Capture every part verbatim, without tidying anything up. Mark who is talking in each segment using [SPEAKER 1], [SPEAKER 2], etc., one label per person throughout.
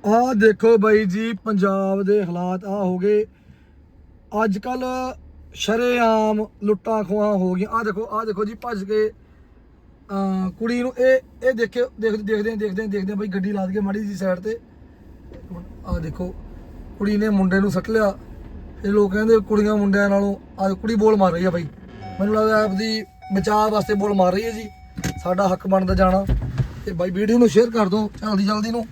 [SPEAKER 1] ਆਹ ਦੇਖੋ ਬਾਈ ਜੀ ਪੰਜਾਬ ਦੇ ਹਾਲਾਤ ਆ ਹੋ ਗਏ ਅੱਜ ਕੱਲ ਸ਼ਰੇਆਮ ਲੁੱਟਾਂ ਖੋਹਾਂ ਹੋ ਗਈਆਂ। ਆਹ ਦੇਖੋ ਆਹ ਦੇਖੋ ਜੀ ਭੱਜ ਕੇ ਆ ਕੁੜੀ ਨੂੰ ਇਹ ਇਹ ਦੇਖਿਓ ਦੇਖ ਦੇਖਦੇ ਦੇਖਦੇ ਦੇਖਦੇ ਬਾਈ ਗੱਡੀ ਲਾ ਕੇ ਮਾੜੀ ਜੀ ਸਾਈਡ ਤੇ। ਆਹ ਦੇਖੋ ਕੁੜੀ ਨੇ ਮੁੰਡੇ ਨੂੰ ਸੱਟ ਲਿਆ। ਇਹ ਲੋਕ ਕਹਿੰਦੇ ਕੁੜੀਆਂ ਮੁੰਡਿਆਂ ਨਾਲੋਂ ਆਹ ਕੁੜੀ ਬੋਲ ਮਾਰ ਰਹੀ ਆ ਬਾਈ। ਮੈਨੂੰ ਲੱਗਦਾ ਆਪਦੀ ਬਚਾਅ ਵਾਸਤੇ ਬੋਲ ਮਾਰ ਰਹੀ ਹੈ ਜੀ। ਸਾਡਾ ਹੱਕ ਬਣਦਾ ਜਾਣਾ ਤੇ ਬਾਈ ਵੀਡੀਓ ਨੂੰ ਸ਼ੇਅਰ ਕਰ ਦਿਓ ਜਲਦੀ ਜਲਦੀ ਨੂੰ।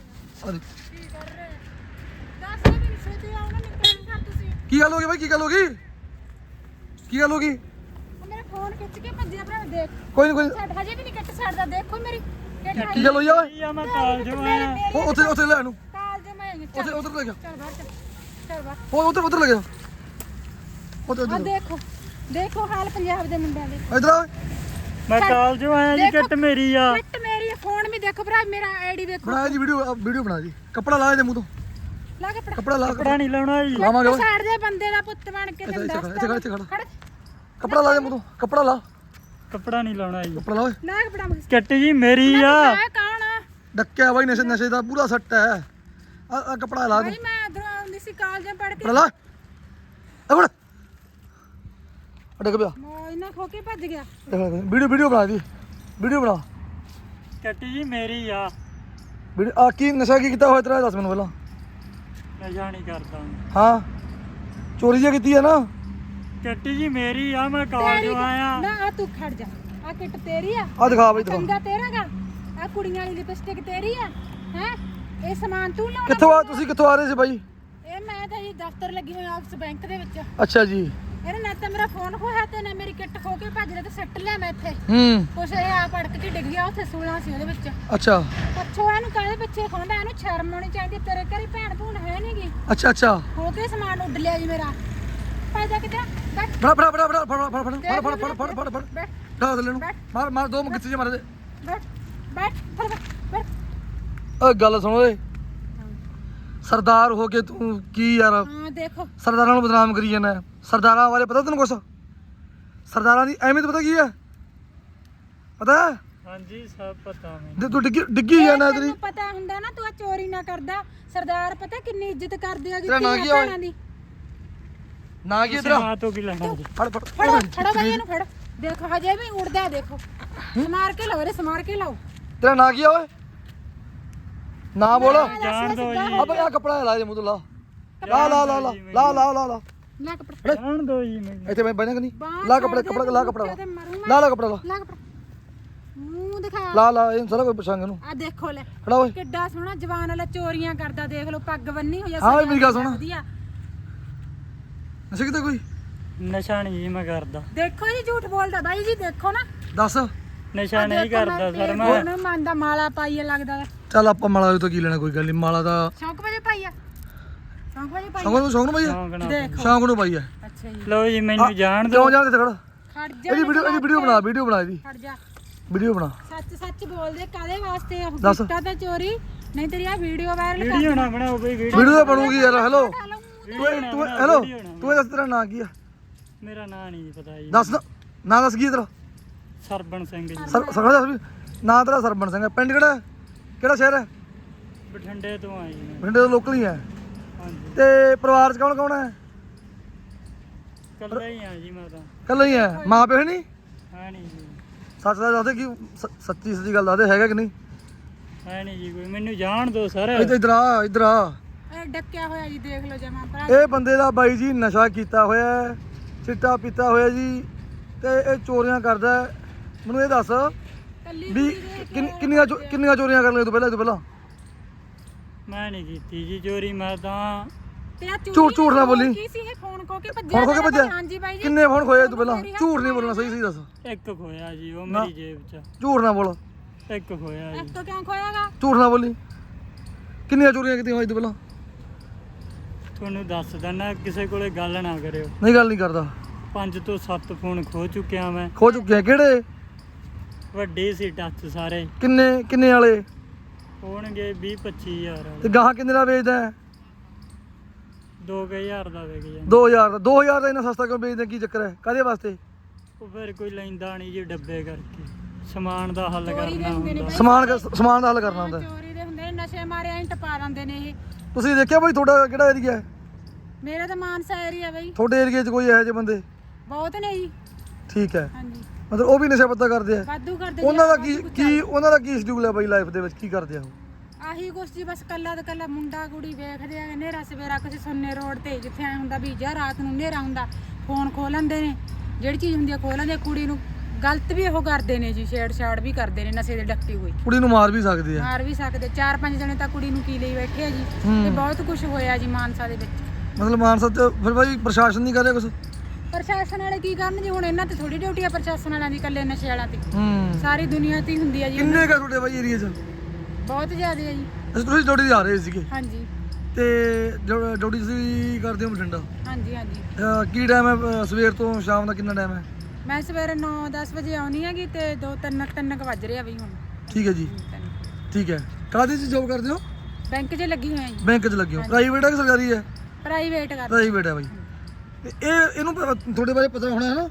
[SPEAKER 1] ਕੀ ਗੱਲ ਹੋ ਗਈ ਬਾਈ ਕੀ ਗੱਲ ਹੋ ਗਈ ਕੀ ਗੱਲ ਹੋ ਗਈ?
[SPEAKER 2] ਮੇਰਾ ਫੋਨ ਖਿੱਚ ਕੇ ਭੱਜਿਆ ਭਰਾ ਦੇਖ।
[SPEAKER 1] ਕੋਈ ਨਹੀਂ ਕੋਈ
[SPEAKER 2] ਛੱਡ ਹਜੇ ਵੀ ਨਹੀਂ ਕੱਟ ਛੱਡਦਾ। ਦੇਖੋ ਮੇਰੀ
[SPEAKER 1] ਕੀ ਗੱਲ ਹੋਈ ਆ ਓਏ?
[SPEAKER 3] ਮੈਂ ਕਾਲਜ ਆਇਆ।
[SPEAKER 1] ਉਹ ਉੱਥੇ ਉੱਥੇ ਲੈ ਨੂੰ
[SPEAKER 2] ਕਾਲਜ ਮੈਂ
[SPEAKER 1] ਉੱਥੇ ਉੱਧਰ ਲੈ ਗਿਆ।
[SPEAKER 2] ਚੱਲ ਬਾਹਰ ਚੱਲ ਚੱਲ ਬਾਹਰ।
[SPEAKER 1] ਉਹ ਉੱਧਰ ਉੱਧਰ ਲੈ ਗਿਆ। ਉੱਥੇ
[SPEAKER 2] ਆ
[SPEAKER 1] ਉੱਧਰ
[SPEAKER 2] ਦੇਖੋ ਦੇਖੋ ਹਾਲ ਪੰਜਾਬ ਦੇ ਮੁੰਡਿਆਂ ਦੇ।
[SPEAKER 1] ਇਧਰ ਆ
[SPEAKER 3] ਮੈਂ ਕਾਲਜ ਆਇਆ ਜੀ। ਕਿੱਟ ਮੇਰੀ ਆ।
[SPEAKER 2] ਕੱਟ ਮੇਰੀ ਫੋਨ ਵੀ ਦੇਖੋ ਭਰਾ ਮੇਰਾ ਆਈਡੀ ਦੇਖੋ।
[SPEAKER 1] ਬਣਾ ਜੀ ਵੀਡੀਓ ਵੀਡੀਓ ਬਣਾ ਜੀ। ਕੱਪੜਾ ਲਾ ਇਹਦੇ ਮੂੰਹ ਤੋਂ
[SPEAKER 2] ਲਾ ਕੱਪੜਾ
[SPEAKER 1] ਕੱਪੜਾ ਲਾ
[SPEAKER 3] ਕੱਪੜਾ ਨਹੀਂ ਲਾਉਣਾ ਜੀ।
[SPEAKER 1] ਲਾਵਾਂਗੇ ਓਏ।
[SPEAKER 2] ਸਾਈਡ ਦੇ ਬੰਦੇ ਦਾ ਪੁੱਤ ਬਣ ਕੇ ਤੈਨੂੰ
[SPEAKER 1] ਇੱਥੇ
[SPEAKER 2] ਦੱਸਦਾ।
[SPEAKER 1] ਖੜ ਇੱਥੇ ਖੜ ਇੱਥੇ ਖੜ ਕੱਪੜਾ ਲਾ ਦੇ ਮੂੰਹ ਤੋਂ ਕੱਪੜਾ ਲਾ
[SPEAKER 3] ਕੱਪੜਾ ਨਹੀਂ ਲਾਉਣਾ ਜੀ।
[SPEAKER 1] ਕੱਪੜਾ ਲਾ ਓਏ।
[SPEAKER 2] ਲਾ ਕੱਪੜਾ ਮਗਸ
[SPEAKER 3] ਕਿੱਟ ਜੀ ਮੇਰੀ ਆ।
[SPEAKER 2] ਆ ਕੌਣ ਆ
[SPEAKER 1] ਡੱਕਿਆ ਬਾਈ ਨਸ਼ੇ ਨਸ਼ੇ ਦਾ ਪੂਰਾ ਸੱਟ ਹੈ। ਆ ਆ ਕੱਪੜਾ ਲਾ ਦੇ
[SPEAKER 2] ਭਾਈ ਮੈਂ ਇਧਰੋਂ ਆਉਂਦੀ ਸੀ ਕਾਲਜ ਪੜ ਕੇ।
[SPEAKER 1] ਕੱਪੜਾ ਲਾ ਅਬੜ ਅੜਕ ਪਿਆ
[SPEAKER 2] ਮੋ ਇਹਨਾਂ ਖੋ ਕੇ ਭੱਜ ਗਿਆ।
[SPEAKER 1] ਵੀਡੀਓ ਵੀਡੀਓ ਬਣਾ ਦੀ ਵੀਡੀਓ ਬਣਾ।
[SPEAKER 3] ਕਿੱਟ ਜੀ ਮੇਰੀ ਆ।
[SPEAKER 1] ਵੀਡੀਓ ਆ ਕੀ ਨਸ਼ਾ ਕੀ ਕੀਤਾ ਹੋਇਆ ਤੇਰਾ ਦੱਸ ਮੈਨੂੰ ਪਹਿਲਾਂ।
[SPEAKER 3] ਨਸ਼ਾ ਨਹੀਂ ਕਰਦਾ।
[SPEAKER 1] ਹਾਂ ਚੋਰੀ ਜਿਹਾ ਕੀਤੀ ਹੈ ਨਾ।
[SPEAKER 3] ਕਿੱਟ ਜੀ ਮੇਰੀ ਆ। ਮੈਂ ਕਾਲਜ ਆਇਆ।
[SPEAKER 2] ਨਾ ਆ ਤੂੰ ਖੜ ਜਾ। ਆ ਕਿੱਟ ਤੇਰੀ ਆ।
[SPEAKER 1] ਆ ਦਿਖਾ ਬਾਈ ਦਿਖਾ
[SPEAKER 2] ਕੰਗਾ ਤੇਰਾ ਗਾ। ਆ ਕੁੜੀਆਂ ਵਾਲੀ ਲਿਪਸਟਿਕ ਤੇਰੀ ਆ ਹੈ। ਇਹ ਸਮਾਨ ਤੂੰ ਲਾਉਣਾ।
[SPEAKER 1] ਕਿੱਥੋਂ ਆ ਤੁਸੀਂ ਕਿੱਥੋਂ ਆ ਰਹੇ ਸੀ ਬਾਈ?
[SPEAKER 2] ਇਹ ਮੈਂ ਤਾਂ ਜੀ ਦਫ਼ਤਰ ਲੱਗੀ ਹੋਈ ਆਫਿਸ ਬੈਂਕ ਦੇ ਵਿੱਚ।
[SPEAKER 1] ਅੱਛਾ ਜੀ।
[SPEAKER 2] ਇਹਨੇ ਨਾ ਤਾਂ ਮੇਰਾ ਫੋਨ ਖੋਇਆ ਤੇ ਨਾ ਮੇਰੀ ਕਿੱਟ ਖੋ ਕੇ ਭੱਜ ਰਿਹਾ ਤੇ ਸੱਟ ਲਿਆ ਮੈਂ ਇੱਥੇ।
[SPEAKER 1] ਹੂੰ
[SPEAKER 2] ਕੁਛ ਇਹ ਆ ਪੜਕ ਕੇ ਡਿੱਗ ਗਿਆ ਉੱਥੇ ਸੂਲਾਂ ਸੀ ਉਹਦੇ ਵਿੱਚ।
[SPEAKER 1] ਅੱਛਾ
[SPEAKER 2] ਪੁੱਛੋ ਇਹਨੂੰ ਕਾਹਦੇ ਪਿੱਛੇ ਖੋਂਦਾ। ਇਹਨੂੰ ਸ਼ਰਮ ਆਉਣੀ ਚਾਹੀਦੀ। ਤੇਰੇ ਘਰੇ ਭੈਣ ਭੂਣ ਹੈ ਨਹੀਂਗੀ।
[SPEAKER 1] ਅੱਛਾ ਅੱਛਾ
[SPEAKER 2] ਹੋ ਕੇ ਸਮਾਨ ਉੱਡ ਲਿਆ ਜੀ ਮੇਰਾ। ਪੈਦਾ ਕਿਤੇ ਬੈਠ
[SPEAKER 1] ਫੜ ਫੜ ਫੜ ਫੜ ਫੜ ਫੜ ਫੜ ਫੜ ਫੜ ਫੜ ਫੜ ਫੜ
[SPEAKER 2] ਬੈਠ
[SPEAKER 1] ਢਾ ਦੇ ਨੂੰ ਮਾਰ ਮਾਰ ਦੋ ਗਿੱਚੇ ਜੇ ਮਾਰ ਦੇ।
[SPEAKER 2] ਬੈਠ ਬੈਠ ਫੜ ਬੈਠ।
[SPEAKER 1] ਓਏ ਗੱਲ ਸੁਣ ਓਏ ਸਰਦਾਰ ਹੋ ਕੇ ਤੂੰ ਕੀ ਯਾਰ
[SPEAKER 2] ਹਾਂ ਦੇਖੋ
[SPEAKER 1] ਸਰਦਾਰਾਂ ਨੂੰ ਬਦਨਾਮ ਕਰੀ ਜਾਂਦਾ। ਸਰਦਾਰਾਂ ਬਾਰੇ ਪਤਾ ਤੈਨੂੰ ਕੁਛ? ਸਰਦਾਰਾਂ ਦੀ ਅਹਿਮੀਅਤ ਪਤਾ ਕੀ ਹੈ? ਪਤਾ
[SPEAKER 3] ਹਾਂਜੀ ਸਭ ਪਤਾ ਮੈਨੂੰ।
[SPEAKER 1] ਜੇ ਤੂੰ ਡਿੱਗੀ ਡਿੱਗੀ ਜਾਂਦਾ ਤੇਰੀ।
[SPEAKER 2] ਤੈਨੂੰ ਪਤਾ ਹੁੰਦਾ ਨਾ ਤੂੰ ਆ ਚੋਰੀ ਨਾ ਕਰਦਾ। ਸਰਦਾਰ ਪਤਾ ਕਿੰਨੀ ਇੱਜ਼ਤ ਕਰਦੇ ਆ
[SPEAKER 1] ਤੇਰਾ ਨਾਂ ਕੀ ਆ ਓਏ?
[SPEAKER 2] ਦੀ।
[SPEAKER 1] ਨਾ ਕੀ
[SPEAKER 3] ਤੁਸੀਂ
[SPEAKER 1] ਤੇਰਾ
[SPEAKER 3] ਮਾਂ ਤੋਂ ਕੀ ਲੈਣਾ ਜੀ?
[SPEAKER 1] ਫੜ ਫੜ
[SPEAKER 2] ਫੜੋ ਫੜੋ ਬਾਈ ਇਹਨੂੰ ਫੜ। ਦੇਖੋ ਹਜੇ ਵੀ ਉੜਦਾ ਦੇਖੋ। ਸਮਾਰ ਕੇ ਲਾਓ ਰੇ ਸਮਾਰ ਕੇ ਲਾਓ।
[SPEAKER 1] ਤੇਰਾ ਨਾਂ ਕੀ ਆ ਓਏ? ਨਾ ਬੋਲ
[SPEAKER 3] ਜਾਣ ਦਿਓ ਜੀ।
[SPEAKER 1] ਆ ਬਈ ਆ ਕੱਪੜਾ ਲਾ ਦੇ ਮੂੰਹ ਤੋਂ ਲਾ ਲਾ ਲਾ ਲਾ ਲਾ ਲਾ ਲਾ ਲਾ ਲਾ
[SPEAKER 2] ਲੈ ਕੱਪੜਾ
[SPEAKER 3] ਜਾਣ ਦਿਓ ਜੀ ਮੈਨੂੰ।
[SPEAKER 1] ਇੱਥੇ ਮੈਂ ਬਹਿਣਾ ਕਿ ਨਹੀਂ?
[SPEAKER 2] ਬਾਂਹ
[SPEAKER 1] ਲਾ ਕੱਪੜਾ
[SPEAKER 2] ਛੱਡ ਦੇ,
[SPEAKER 1] ਕੱਪੜਾ ਲਾ ਕੱਪੜਾ ਲਾ
[SPEAKER 2] ਤੇ ਮਰੂ ਮੈਂ।
[SPEAKER 1] ਲਾ ਲਾ ਕੱਪੜਾ ਲਾ
[SPEAKER 2] ਲਾ ਕੱਪੜਾ ਮੂੰਹ ਦਿਖਾ।
[SPEAKER 1] ਲਾ ਲਾ ਇਹ ਸਾਰਾ ਕੋਈ ਪੁੱਛਾਂਗੇ ਇਹਨੂੰ।
[SPEAKER 2] ਆ ਦੇਖੋ ਲੈ
[SPEAKER 1] ਖੜਾ ਓਏ
[SPEAKER 2] ਕਿੱਡਾ ਸੋਹਣਾ ਜਵਾਨ ਵਾਲਾ ਚੋਰੀਆਂ ਕਰਦਾ। ਦੇਖ ਲਓ ਪੱਗ ਬੰਨੀ ਹੋਈ ਆ।
[SPEAKER 1] ਹਾਂ ਓਏ ਮੇਰੀ ਗੱਲ ਸੁਣ।
[SPEAKER 2] ਵਧੀਆ।
[SPEAKER 1] ਨਸ਼ਾ ਕਿਤੇ ਕੋਈ
[SPEAKER 3] ਨਸ਼ਾ ਨਹੀਂ ਜੀ ਮੈਂ ਕਰਦਾ।
[SPEAKER 2] ਦੇਖੋ ਜੀ ਝੂਠ ਬੋਲਦਾ ਬਾਈ ਜੀ ਦੇਖੋ ਨਾ।
[SPEAKER 1] ਦੱਸ
[SPEAKER 3] ਨਸ਼ਾ ਨਹੀਂ ਕਰਦਾ ਸਰ ਮੈਂ।
[SPEAKER 2] ਉਹਨੂੰ ਮਨ ਦਾ ਮਾਲਾ ਪਾਈਏ ਲੱਗਦਾ।
[SPEAKER 1] ਚੱਲ ਆਪਾਂ ਮਾਲਾ ਤੋਂ ਕੀ ਲੈਣਾ ਕੋਈ ਗੱਲ ਨਹੀਂ। ਮਾਲਾ ਦਾ
[SPEAKER 2] ਸ਼ੌਂਕ ਵਜੇ ਪਾਈਆ ਸ਼ੌਂਕ ਵਜੇ ਪਾਈਆ।
[SPEAKER 1] ਸ਼ੌਂਕ ਨੂੰ ਸ਼ੌਂਕ ਨੂੰ ਪਾਈ ਆ
[SPEAKER 3] ਸ਼ੌਂਕ ਨਾਲ।
[SPEAKER 2] ਦੇਖੋ
[SPEAKER 1] ਸ਼ੌਂਕ ਨੂੰ ਪਾਈ ਆ।
[SPEAKER 2] ਅੱਛਾ ਜੀ
[SPEAKER 3] ਲਓ ਜੀ ਮੈਨੂੰ ਜਾਣ ਦਿਓ।
[SPEAKER 1] ਕਿਉਂ ਜਾਣ ਤੇ ਖੜ
[SPEAKER 2] ਖੜ ਜਾ।
[SPEAKER 1] ਇਹਦੀ ਵੀਡੀਓ ਇਹਦੀ ਵੀਡੀਓ ਬਣਾ ਵੀਡੀਓ ਬਣਾ ਇਹਦੀ
[SPEAKER 2] ਖੜ ਜਾ।
[SPEAKER 1] ਵੀਡੀਓ ਬਣਾ।
[SPEAKER 2] ਸੱਚ ਸੱਚ ਬੋਲਦੇ ਕਾਦੇ ਵਾਸਤੇ ਉਹ
[SPEAKER 1] ਦੱਸ।
[SPEAKER 2] ਕੀਤਾ ਤਾਂ ਚੋਰੀ ਨਹੀਂ ਤੇਰੀ ਆ ਵੀਡੀਓ ਵਾਇਰਲ ਕਰ।
[SPEAKER 3] ਵੀਡੀਓ ਨਾ ਬਣਾਓ ਬਈ ਵੀਡੀਓ।
[SPEAKER 1] ਵੀਡੀਓ ਤਾਂ ਬਣੂਗੀ ਯਾਰ। ਹੈਲੋ
[SPEAKER 3] ਵੀਡੀਓ
[SPEAKER 1] ਤੂੰ
[SPEAKER 3] ਨਾ
[SPEAKER 1] ਤੂੰ
[SPEAKER 3] ਬਣਾਓ,
[SPEAKER 1] ਹੈਲੋ
[SPEAKER 3] ਵੀਡੀਓ ਨਾ
[SPEAKER 1] ਤੂੰ ਇਹ ਦੱਸ ਤੇਰਾ ਨਾਂ ਕੀ ਆ?
[SPEAKER 3] ਮੇਰਾ ਨਾਂ ਨਹੀਂ ਪਤਾ ਜੀ।
[SPEAKER 1] ਦੱਸ ਨਾਂ ਦੱਸ ਕੀ ਹੈ ਤੇਰਾ?
[SPEAKER 3] ਸਰਬਣ ਸਿੰਘ ਜੀ।
[SPEAKER 1] ਸਰ ਸਰ ਦੱਸ ਵੀ ਨਾਂ ਤੇਰਾ ਸਰਬਣ ਸਿੰਘ ਹੈ। ਪਿੰਡ ਕਿਹੜਾ ਕਿਹੜਾ ਸ਼ਹਿਰ ਹੈ?
[SPEAKER 3] ਬਠਿੰਡੇ ਤੋਂ ਆਈ ਨੇ।
[SPEAKER 1] ਬਠਿੰਡੇ ਦਾ ਲੋਕਲ ਹੀ ਹੈ।
[SPEAKER 3] ਹਾਂਜੀ
[SPEAKER 1] ਤੇ ਪਰਿਵਾਰ ਚ ਕੌਣ ਕੌਣ ਹੈ?
[SPEAKER 3] ਕੱਲਾ ਹੀ ਆ ਜੀ ਮੈਂ ਤਾਂ।
[SPEAKER 1] ਇਕੱਲਾ ਹੀ ਹੈ। ਮਾਂ ਪਿਓ ਹੈ ਨਹੀਂ?
[SPEAKER 3] ਹੈ ਨਹੀਂ ਜੀ।
[SPEAKER 1] ਸੱਚ ਦਾ ਦੱਸਦੇ ਕੀ ਸ- ਸੱਚੀ ਸੱਚੀ ਗੱਲ ਦੱਸਦੇ ਹੈਗਾ ਕਿ ਨਹੀਂ?
[SPEAKER 3] ਹੈ ਨਹੀਂ ਜੀ ਕੋਈ। ਮੈਨੂੰ ਜਾਣ ਦਿਓ ਸਰ।
[SPEAKER 1] ਇੱਧਰ ਇੱਧਰ ਆ ਇੱਧਰ ਆ।
[SPEAKER 2] ਇਹ ਡੱਕਿਆ ਹੋਇਆ ਜੀ ਦੇਖ ਲਓ ਜਮਾ ਭਰਾ।
[SPEAKER 1] ਇਹ ਬੰਦੇ ਦਾ ਬਾਈ ਜੀ ਨਸ਼ਾ ਕੀਤਾ ਹੋਇਆ ਹੈ, ਚਿੱਟਾ ਪੀਤਾ ਹੋਇਆ ਜੀ ਤੇ ਇਹ ਚੋਰੀਆਂ ਕਰਦਾ ਹੈ। ਮੈਨੂੰ ਇਹ ਦੱਸ
[SPEAKER 2] ਕੱਲੀ
[SPEAKER 1] ਵੀ ਕਿੰਨ- ਕਿੰਨੀਆਂ ਚੋ- ਕਿੰਨੀਆਂ ਚੋਰੀਆਂ ਕਰ ਲਈਆਂ ਤੂੰ ਪਹਿਲਾਂ ਇਹ ਤੋਂ ਪਹਿਲਾਂ?
[SPEAKER 3] ਮੈਂ ਨਹੀਂ ਕੀਤੀ ਜੀ ਚੋਰੀ। ਮੈਂ ਤਾਂ
[SPEAKER 2] ਤੇ ਆ ਚੋਰੀ
[SPEAKER 1] ਝੂਠ ਝੂਠ ਨਾ ਬੋਲੀ।
[SPEAKER 2] ਕੀ ਸੀ ਇਹ ਫੋਨ ਖੋ ਕੇ ਭੱਜਿਆ।
[SPEAKER 1] ਫੋਨ ਖੋ ਕੇ
[SPEAKER 2] ਮੇਰਾ
[SPEAKER 1] ਭੱਜਿਆ?
[SPEAKER 2] ਹਾਂਜੀ ਬਾਈ ਜੀ।
[SPEAKER 3] ਕਿੰਨੇ
[SPEAKER 1] ਫੋਨ ਖੋਏ ਤੂੰ ਪਹਿਲਾਂ? ਝੂਠ ਨਹੀਂ ਬੋਲਣਾ, ਸਹੀ ਸਹੀ ਦੱਸ।
[SPEAKER 3] ਇੱਕ ਖੋਇਆ ਜੀ ਉਹ
[SPEAKER 1] ਨਾ।
[SPEAKER 3] ਮੇਰੀ ਜੇਬ 'ਚ।
[SPEAKER 1] ਝੂਠ ਨਾ ਬੋਲ,
[SPEAKER 3] ਇੱਕ ਖੋਇਆ ਜੀ।
[SPEAKER 2] ਇੱਕ ਕਿਉਂ ਖੋਇਆਗਾ?
[SPEAKER 1] ਝੂਠ ਨਾ ਬੋਲੀ। ਕਿੰਨੀਆਂ ਚੋਰੀਆਂ ਕੀਤੀਆਂ ਹੋਈ ਤੂੰ ਪਹਿਲਾਂ?
[SPEAKER 3] ਤੁਹਾਨੂੰ ਦੱਸ ਦਿੰਦਾ ਕਿਸੇ ਕੋਲੇ ਗੱਲ ਨਾ ਕਰਿਓ।
[SPEAKER 1] ਨਹੀਂ ਗੱਲ ਨਹੀਂ ਕਰਦਾ।
[SPEAKER 3] ਪੰਜ ਤੋਂ ਸੱਤ ਫੋਨ ਖੋ ਚੁੱਕਿਆ ਮੈਂ।
[SPEAKER 1] ਖੋ ਚੁੱਕਿਆ? ਕਿਹੜੇ?
[SPEAKER 3] ਵੱਡੇ ਸੀ ਟੱਚ ਸਾਰੇ।
[SPEAKER 1] ਕਿੰਨੇ ਕਿੰਨੇ ਵਾਲੇ?
[SPEAKER 3] ਹੋਣਗੇ ਵੀਹ ਪੱਚੀ ਹਜ਼ਾਰ
[SPEAKER 1] ਤੇ
[SPEAKER 3] ਵਾਲੇ।
[SPEAKER 1] ਗਾਹਾਂ ਕਿੰਨੇ ਦਾ ਵੇਚਦਾ ਹੈ?
[SPEAKER 3] ਦੋ ਕੁ ਹਜ਼ਾਰ ਦਾ ਵਿਕ ਜਾਂਦਾ।
[SPEAKER 1] ਦੋ ਹਜ਼ਾਰ ਦਾ। ਦੋ ਹਜ਼ਾਰ ਦਾ ਇੰਨਾ ਸਸਤਾ ਕਿਉਂ ਵੇਚਦਾ? ਕੀ ਚੱਕਰ ਹੈ? ਕਾਹਦੇ ਵਾਸਤੇ?
[SPEAKER 3] ਉਹ ਫਿਰ ਕੋਈ ਲੈਂਦਾ ਨਹੀਂ ਜੀ ਡੱਬੇ ਕਰਕੇ। ਸਮਾਨ ਦਾ ਹੱਲ
[SPEAKER 2] ਚੋਰੀ ਦੇ
[SPEAKER 3] ਕਰਨਾ
[SPEAKER 2] ਹੁੰਦੇ ਨੇ
[SPEAKER 3] ਹੁੰਦਾ।
[SPEAKER 2] ਬਈ।
[SPEAKER 1] ਸਮਾਨ ਕ- ਸਮਾਨ ਦਾ ਹੱਲ ਕਰਨਾ ਹੁੰਦਾ ਹੈ।
[SPEAKER 2] ਚੋਰੀ ਦੇ ਹੁੰਦੇ ਨੇ ਨਸ਼ੇ ਮਾਰੇ ਐਂ ਟਪਾ ਦਿੰਦੇ ਨੇ ਇਹ।
[SPEAKER 1] ਤੁਸੀਂ ਦੇਖਿਆ ਬਾਈ ਤੁਹਾਡਾ ਕਿਹੜਾ ਏਰੀਆ ਹੈ?
[SPEAKER 2] ਮੇਰਾ ਤਾਂ ਮਾਨਸਾ ਏਰੀਆ ਬਈ।
[SPEAKER 1] ਤੁਹਾਡੇ ਏਰੀਆ 'ਚ ਕੋਈ ਇਹੋ ਜਿਹੇ ਬੰਦੇ?
[SPEAKER 2] ਬਹੁਤ ਨੇ ਜੀ।
[SPEAKER 1] ਠੀਕ ਹੈ,
[SPEAKER 2] ਹਾਂਜੀ
[SPEAKER 1] ਮਤਲਬ ਉਹ ਵੀ ਨਸ਼ਾ ਪੱਤਾ ਕਰਦੇ ਆ?
[SPEAKER 2] ਵਾਧੂ ਕਰਦੇ ਜੀ,
[SPEAKER 1] ਉਹਨਾਂ ਦਾ ਕੀ
[SPEAKER 2] ਵਾਧੂ
[SPEAKER 1] ਕੀ ਉਹਨਾਂ ਦਾ ਕੀ ਸ਼ਡਿਊਲ ਹੈ ਬਾਈ ਲਾਈਫ ਦੇ ਵਿੱਚ, ਕੀ ਕਰਦੇ ਆ ਉਹ?
[SPEAKER 2] ਆਹੀ ਕੁਛ ਜੀ, ਬਸ ਕੱਲਾ ਤੇ ਕੱਲਾ ਮੁੰਡਾ ਕੁੜੀ ਵੇਖਦੇ ਆ ਨੇਰਾ ਸਵੇਰਾ ਕਿਸੇ ਸੁੰਨੇ ਰੋਡ ਤੇ, ਜਿੱਥੇ ਐ ਹੁੰਦਾ ਵੀ ਜਾਂ ਰਾਤ ਨੂੰ ਨੇਰਾ ਹੁੰਦਾ ਫੋਨ ਖੋਲ ਲੈਂਦੇ ਨੇ, ਜਿਹੜੀ ਚੀਜ਼ ਹੁੰਦੀ ਆ ਖੋਲ ਲੈਂਦੇ, ਕੁੜੀ ਨੂੰ ਗਲਤ ਵੀ ਉਹ ਕਰਦੇ ਨੇ ਜੀ, ਛੇੜ ਛਾੜ ਵੀ ਕਰਦੇ ਨੇ ਨਸ਼ੇ ਦੇ ਡੱਕੀ ਹੋਈ।
[SPEAKER 1] ਕੁੜੀ ਨੂੰ ਮਾਰ ਵੀ ਸਕਦੇ ਆ?
[SPEAKER 2] ਮਾਰ ਵੀ ਸਕਦੇ, ਚਾਰ ਪੰਜ ਜਣੇ ਤਾਂ ਕੁੜੀ ਨੂੰ ਕੀ ਲਈ ਬੈਠੇ ਆ ਜੀ।
[SPEAKER 1] ਹੂੰ।
[SPEAKER 2] ਤੇ ਬਹੁਤ ਕੁਝ ਹੋਇਆ ਜੀ ਮਾਨਸਾ ਦੇ ਵਿੱਚ।
[SPEAKER 1] ਮਤਲਬ ਮਾਨਸਾ ਚ ਫਿਰ ਬਾਈ ਪ੍ਰਸ਼ਾਸਨ ਨਹੀਂ ਕਰ ਰਿਹਾ ਕੁਝ?
[SPEAKER 2] ਪ੍ਰਸ਼ਾਸਨ ਵਾਲੇ ਕੀ ਕਰਨ ਜੀ, ਹੁਣ ਇਹਨਾਂ ਤੇ ਥੋੜੀ ਡਿਊਟੀ ਆ ਪ੍ਰਸ਼ਾਸਨ ਵਾਲਿਆਂ ਦੀ, ਇਕੱਲੇ ਨਸ਼ੇ ਵਾਲਿਆਂ ਤੇ।
[SPEAKER 1] ਹੂੰ।
[SPEAKER 2] ਸਾਰੀ ਦੁਨੀਆ ਤੇ ਹੀ ਹੁੰਦੀ ਆ ਜੀ।
[SPEAKER 1] ਕਿੰਨੇ ਕਾ ਤੁਹਾਡੇ ਬਾਈ ਏਰੀਆ 'ਚ?
[SPEAKER 2] ਬਹੁਤ ਜ਼ਿਆਦਾ ਹੈ ਜੀ।
[SPEAKER 1] ਅਸੀਂ ਤੁਸੀਂ ਡਿਊਟੀ ਤੇ ਆ ਰਹੇ ਸੀਗੇ
[SPEAKER 2] ਹਾਂਜੀ
[SPEAKER 1] ਤੇ ਜੋ- ਡਿਊਟੀ ਤੁਸੀਂ ਕਰਦੇ ਹੋ ਬਠਿੰਡਾ?
[SPEAKER 2] ਹਾਂਜੀ ਹਾਂਜੀ।
[SPEAKER 1] ਅਹ ਕੀ ਟਾਈਮ ਹੈ ਅਹ ਸਵੇਰ ਤੋਂ ਸ਼ਾਮ ਦਾ ਕਿੰਨਾ ਟਾਈਮ ਹੈ?
[SPEAKER 2] ਮੈਂ ਸਵੇਰੇ ਨੌ ਦਸ ਵਜੇ ਆਉਣੀ ਹੈਗੀ ਤੇ ਦੋ ਤਿੰਨ ਤਿੰਨ ਕੁ ਵੱਜ ਰਿਹਾ ਬਈ ਹੁਣ।
[SPEAKER 1] ਠੀਕ ਹੈ ਜੀ, ਠੀਕ ਹੈ। ਕਾਹਦੇ 'ਚ ਜੋਬ ਕਰਦੇ ਹੋ?
[SPEAKER 2] ਬੈਂਕ 'ਚ ਲੱਗੀ ਹੋਈ ਆ ਜੀ।
[SPEAKER 1] ਬੈਂਕ 'ਚ ਲੱਗੇ ਹੋ? ਪ੍ਰਾਈਵੇਟ ਹੈ ਕਿ ਸਰਕਾਰੀ ਹੈ?
[SPEAKER 2] ਪ੍ਰਾਈਵੇਟ ਕਰ।
[SPEAKER 1] ਪ੍ਰਾਈਵੇਟ ਹੈ ਬਾਈ। ਤੇ ਇਹ ਇਹਨੂੰ ਪ- ਤੁਹਾਡੇ ਬਾਰੇ ਪਤਾ ਹੋਣਾ ਹੈ ਨਾ?